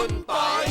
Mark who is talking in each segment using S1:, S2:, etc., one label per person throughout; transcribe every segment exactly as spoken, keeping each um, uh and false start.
S1: คุณปอย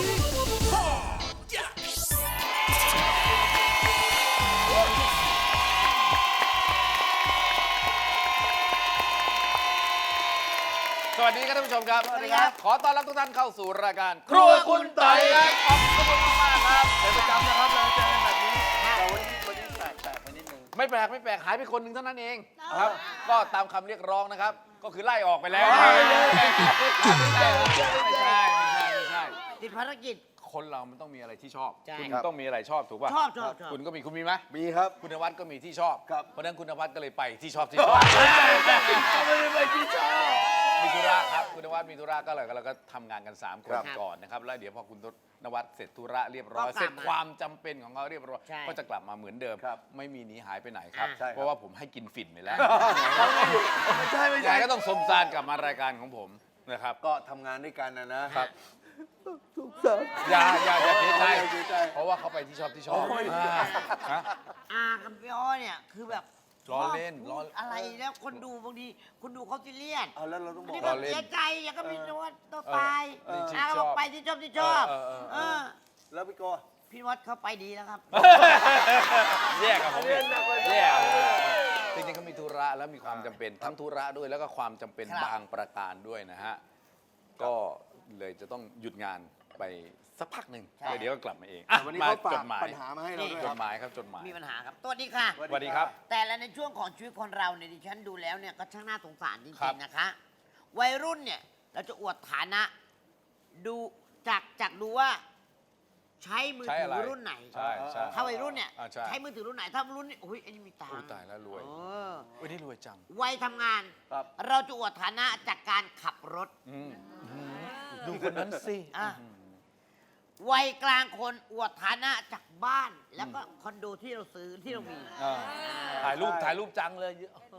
S1: สวัสดีครับท่านผู้ชมครับสวัสดีครับขอต้อนรับทุกท่านเข้าสู่รายการครัวคุณปอยครับขอบคุณมากๆครับเป็นประจำนะครับเราเจอกันแบบนี้แต่วันนี้วันนี้แปลกแปลกไปนิดนึงไม่แปลกไม่แปลกหายไปคนหนึ่งเท่านั้นเองครับก็ตามคำเรียกร้องนะครับก็คือไล่ออกไปแล้วไม่ใช่ไม่ใช่ไม่ใช่ไม่ใช่
S2: ติดภารกิจ
S1: คนเรามันต้องมีอะไรที่ชอบ
S2: ใช่
S1: คุณต้องมีอะไรชอบถูกป่ะ
S2: ชอบชอบชอบ
S1: คุณก็มีคุณมีไหม
S3: มีครับ
S1: คุณนวัดก็มีที่ชอบ
S3: ครับ
S1: เพราะฉะนั้นคุณนวัดก็เลยไปที่ชอบที่ชอบไม่ได้ไปที่ชอบมีธุระครับคุณนวัดมีธุระก็เลยเราก็ทำงานกันสามคนก่อนนะครับแล้วเดี๋ยวพอคุณนวัดเสร็จธุระเรียบร้อยเสร็จความจำเป็นของเขาเรียบร้อยก็จะกลับมาเหมือนเดิมไม่มีหนีหายไปไหนครับเพราะว่าผมให้กินฝิ่นไปแล้ว
S3: ไม่ใช่ไม่ใช่
S1: ก็ต้องสมซานกลับมารายการของผมนะครับ
S3: ก็ทำงานด้วยกันนะนะครับถูกสา
S1: อย่าอย่าอย่าเสียใจเพราะว่าเขาไปที่ชอบที่ชอบ
S2: อากับพี่อ้อเนี่ยคือแบบ
S1: ล้อเล่นล้อ
S2: อะไรแล้วคนดูบางทีคุณดูเขาซีเรียส
S3: เอาแล้วเราต้องบอก
S2: นี่ก็เสียใจอย่างก็มีนวัดต่อไปอาก็บอกไปที่ชอบที่ชอบเออ
S3: แล้วพี่โก
S2: พี่วัดเขาไปดีแล้วครับ
S1: แยกกับผมแยกจริงๆเขามีธุระแล้วมีความจำเป็นทั้งธุระด้วยแล้วก็ความจำเป็นบางประการด้วยนะฮะก็เลยจะต้องหยุดงานไปสักพักหนึ่งเดี๋ยวก็กลับมาเอง
S3: วันนี้เขาฝากปัญหามาให้เราด้วย
S1: จดหมายครับจดหมาย
S2: มีปัญหาครับสวัสดีค่ะ
S1: สวัสดีครับ
S2: แต่ละในช่วงของชีวิตคนเราเนี่ยดิฉันดูแล้วเนี่ยก็ช่างน่าสงสารจริงๆนะคะวัยรุ่นเนี่ยเราจะอวดฐานะดูจากจากดูว่าใช้มือถือรุ่นไหนถ้าวัยรุ่นเนี่ยใช้มือถือรุ่นไหนถ้ารุ่นนี้โอ้ยอันนี้มีตังค์
S1: ตายแล้วรวยวันนี้รวยจัง
S2: วัยทำงานเราจะอวดฐานะจากการขับรถ
S1: ดูคนนั้นสิ
S2: วัยกลางคนอวดฐานะจากบ้านแล้วก็คอนโดที่เราซื้อที่เรามี
S1: ถ่ายรูปถ่ายรูปจังเลย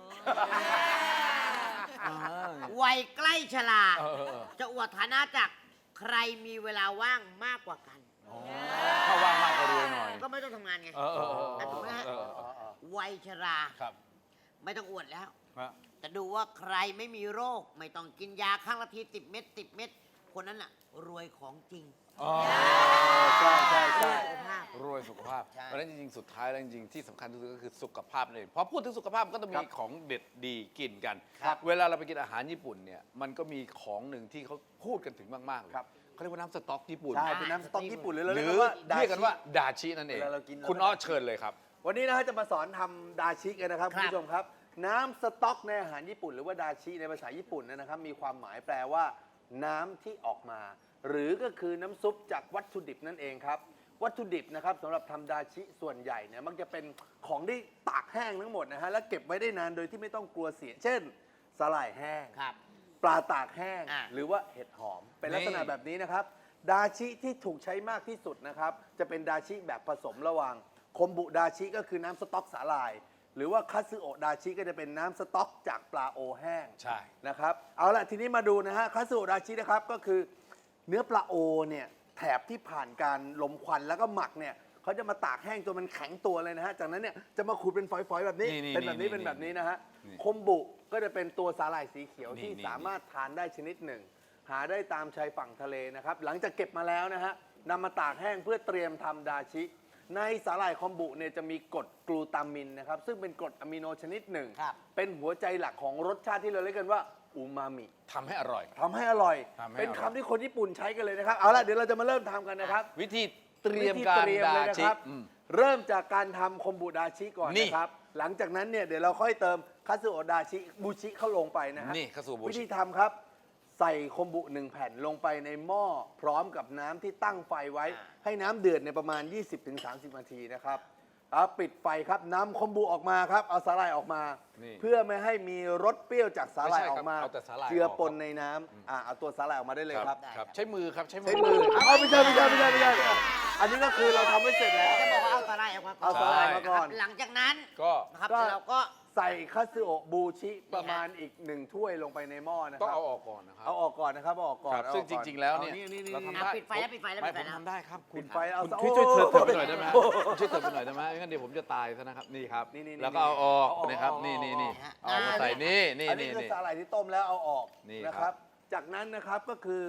S2: วัยใกล้ชราจะอวดฐานะจากใครมีเวลาว่างมากกว่ากัน
S1: ถ้าว่างมากก็รวยหน่อย
S2: ก็ไม่ต้องทำงานไงถูกไหมฮะวัยชราไม่ต้องอวดแล้วแต่ดูว่าใครไม่มีโรคไม่ต้องกินยาข้างละทีสิบเม็ดสิบเม็ดคนนั้นน่ะรวยของจริง
S3: ใช่ใช่ใช่
S1: รวยสุขภาพเพราะฉะนั้นจริงๆสุดท้ายแล้วจริงๆที่สำคัญที่สุดก็คือสุขภาพเลยพอพูดถึงสุขภาพก็ต้องมีของเด็ดดีกินกันเวลาเราไปกินอาหารญี่ปุ่นเนี่ยมันก็มีของหนึ่งที่เขาพูดกันถึงมากๆเลยเขาเรียกว่าน้ำสต๊อกญี่ปุ่น
S3: ใช่เป็นน้ำสต๊อกญี่ปุ่นหรือเ
S1: รียกกันว่าดาชินั่นเองคุณอ้อเชิญเลยครับ
S3: วันนี้นะฮะจะมาสอนทำดาชิกันนะครับคุณผู้ชมครับน้ำสต๊อกในอาหารญี่ปุ่นหรือว่าดาชิในภาษาญี่ปุ่นนะครับมีความหมายแปลว่าน้ำที่ออกมาหรือก็คือน้ำซุปจากวัตถุดิบนั่นเองครับวัตถุดิบนะครับสำหรับทำดาชิส่วนใหญ่เนี่ยมักจะเป็นของที่ตากแห้งทั้งหมดนะฮะแล้วเก็บไว้ได้นานโดยที่ไม่ต้องกลัวเสียเช่นสาหร่ายแห้งปลาตากแห้งหรือว่าเห็ดหอมเป็นลักษณะแบบนี้นะครับดาชิที่ถูกใช้มากที่สุดนะครับจะเป็นดาชิแบบผสมระหว่างคอมบุดาชิก็คือน้ำสต๊อกสาหร่ายหรือว่าคัตสึโอะดาชิก็จะเป็นน้ำสต๊อกจากปลาโอแห้ง
S1: ใช่
S3: นะครับเอาละทีนี้มาดูนะฮะคัตสึโอะดาชินะครับก็คือเนื้อปลาโอเนี่ยแถบที่ผ่านการลมควันแล้วก็หมักเนี่ยเขาจะมาตากแห้งจนมันแข็งตัวเลยนะฮะจากนั้นเนี่ยจะมาขูดเป็นฝอยๆแบบนี้เป็นแบบนี้เป็นแบบนี้นะฮะคอมบุก็จะเป็นตัวสาหร่ายสีเขียวที่สามารถทานได้ชนิดหนึ่งหาได้ตามชายฝั่งทะเลนะครับหลังจากเก็บมาแล้วนะฮะนำมาตากแห้งเพื่อเตรียมทำดาชิในสาหร่ายคอมบุเนี่ยจะมีกรดกลูตามินนะครับซึ่งเป็นกรดอะมิโนชนิดหนึ่งเป็นหัวใจหลักของรสชาติที่เราเรียกกันว่าอูมามิ
S1: ทำให้อร่อย
S3: ทำให้อร่อยเป็นคำที่คนญี่ปุ่นใช้กันเลยนะครับเอาละเดี๋ยวเราจะมาเริ่มทำกันนะครับ
S1: วิธีเตรียมการดาชิ
S3: เริ่มจากการทำคอมบุดาชิก่อนนะครับหลังจากนั้นเนี่ยเดี๋ยวเราค่อยเติมคัตสึโอะดาชิบูชิเข้าลงไปนะฮะวิธีทำครับใส่คอมบุหนึ่งแผ่นลงไปในหม้อพร้อมกับน้ำที่ตั้งไฟไว้ให้น้ำเดือดในประมาณ ยี่สิบถึงสามสิบ นาทีนะครับแล้วปิดไฟครับนำคอมบุออกมาครับเอาสาหร่ายออกมาเพื่อไม่ให้มีรสเปรี้ยวจากสาหร่ายออกมาเจือปนในน้ำอ่าเอาตัวสาหร่ายออกมาได้เลยครับ
S1: ใช้มือครับใช้
S3: มือเอาไม่ใช่ไม่ใช่ไม่ใช่ไม่ใช่อันนี้ก็คือเราทำไม่เสร็จแล้ว
S2: จะบอกว่าเอาสาหร่ายออกมา
S3: เอาสาหร่ายมาก่อน
S2: หลังจากนั้น
S1: ก็
S2: ครับเราก็
S3: ใส่คัตสึโอะบูชิประมาณอีกหนึ่งถ้วยลงไปในหม้อนะครับ
S1: ต้องเอาออกก่อนนะครับ
S3: เอาออกก่อนนะครับเอาออกก่อน
S1: ซึ่งจริงๆแล้วเนี่ย
S2: เราทำได้ปิดไฟแล้วปิดไฟแล้วปิดไฟ
S1: แล้วทำได้ครับ
S3: ปิดไฟเอา
S1: ช่วยช่วยเถิดไปหน่อยได้ไหมช่วยเถิดไปหน่อยได้ไหมงั้นเดี๋ยวผมจะตายซะนะครับนี่ครับแล้วก็เอาออกนะครับนี่นี่นี่เอามาใส่นี่นี่
S3: นี่อันนี้คือสาหร่ายที่ต้มแล้วเอาออกนะครับจากนั้นนะครับก็คือ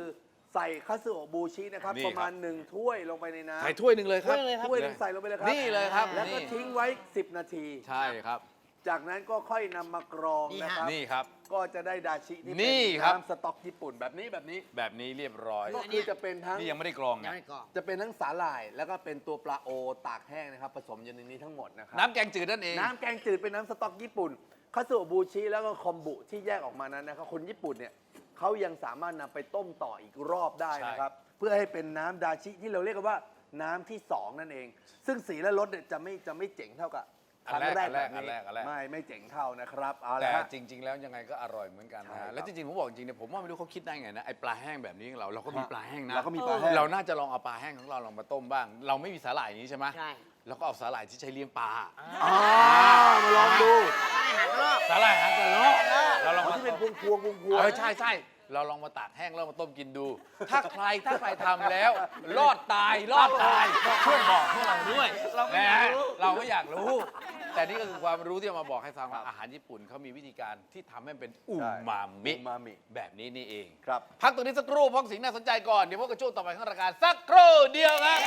S3: ใส่คัตสึโอะบูชินะครับ
S1: นี่
S3: ประมาณหนึ่งถ้วยลงไปในน้ำ
S1: ใส่ถ้วยหนึ่งเลยครับ
S3: ถ้วยหนึงใส่ลงไปเลยครับ
S1: นี่เลยครับ
S3: แล้วก็
S1: นี่
S3: ทิ้งไว้ สิบ นาที
S1: ใช่ครับ
S3: จากนั้นก็ค่อยนำมากรอง
S2: นี่
S3: นะ
S2: ฮะ
S3: ครับ
S1: นี่ครับ
S3: ก็จะได้ดาชิที่
S1: นี่
S3: เป็น
S1: ครับ
S3: น้ำสต๊อกญี่ปุ่นแบบนี้แบบนี้
S1: แบบนี้เรียบร้อย
S3: ก็คือจะเป็นทั้ง
S1: นี่ยังไม่ได้กรอง
S2: ยัง
S1: นะ
S2: ไม่กรอก
S3: จะเป็นทั้งสาหร่าย แล้วก็เป็นตัวปลาโอตากแห้งนะครับผสมอยู่ในนี้ทั้งหมดนะครั
S1: น้ำแกงจืดนั่นเอง
S3: น้ำแกงจืดเป็นน้ำสต๊อกญี่ปุ่นคัตสึโอะบูชิแล้วก็คอมบุที่แยกออกมานั้นนะครับคนญี่ปุ่นเนี่ยเขายังสามารถนำไปต้มต่ออีกรอบได้นะครับ เพื่อให้เป็นน้ำดาชิที่เราเรียกกันว่าน้ำที่สองนั่นเอง ซึ่งสีและรสเนี่ยจะไม่จะไม่เจ๋งเท่ากับครั้งแรกแบบ
S1: อัน
S3: นี้
S1: แรกอันแรก
S3: ไม่ไม่เจ๋งเท่านะครับเอาละ
S1: แต่
S3: ฮะ
S1: จริง ๆ แล้วยังไงก็อร่อยเหมือนกัน
S3: ใช่
S1: นะ
S3: ครั
S1: ฮะ
S3: บ
S1: แล้วจริงๆผมบอกจริงๆเนี่ยผมว่าไม่รู้เขาคิดได้ไงนะไอปลาแห้งแบบนี้ของเราเราก็มีปลาแห้งนะ
S3: เราก็มีปลาแห้ง
S1: เราน่าจะลองเอาปลาแห้งของเราลองมาต้มบ้าง เราไม่มีสาหร่ายอย่างนี้ใช่ไหม
S2: ใช่
S1: แล้วก็เอาสาหร่ายที่ใช้เลี้ยงปลา
S3: อ๋อมาลองดู
S2: ไม่หางรอบ
S1: สาหร่ายหางกระรอกเราลอง
S3: เขา
S1: มา
S3: ที่เป็นพวงพวงพวงพวง
S1: เออใช่ใช่เราลองมาตากแห้งแล้วมาต้มกินดู ถ้าใครถ้าใครทำแล้ว รอดตายรอดตายช่วยบอกพวกเราด้วยนะฮะเราก็อยากรู้ แต่นี่ก็คือความรู้ที่เอามาบอกให้ฟังว่าอาหารญี่ปุ่นเขามีวิธีการที่ทำให้เป็นอูมามิ
S3: อูมามิ
S1: แบบนี้นี่เอง
S3: ครับ
S1: พักตรงนี้สักครู่เพราะสิ่งน่าสนใจก่อน เดี๋ยวพบกับช่วงต่อไปของรายการสักครู่เดียวครับ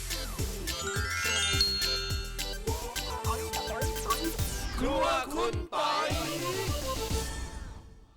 S1: ครัวคุณ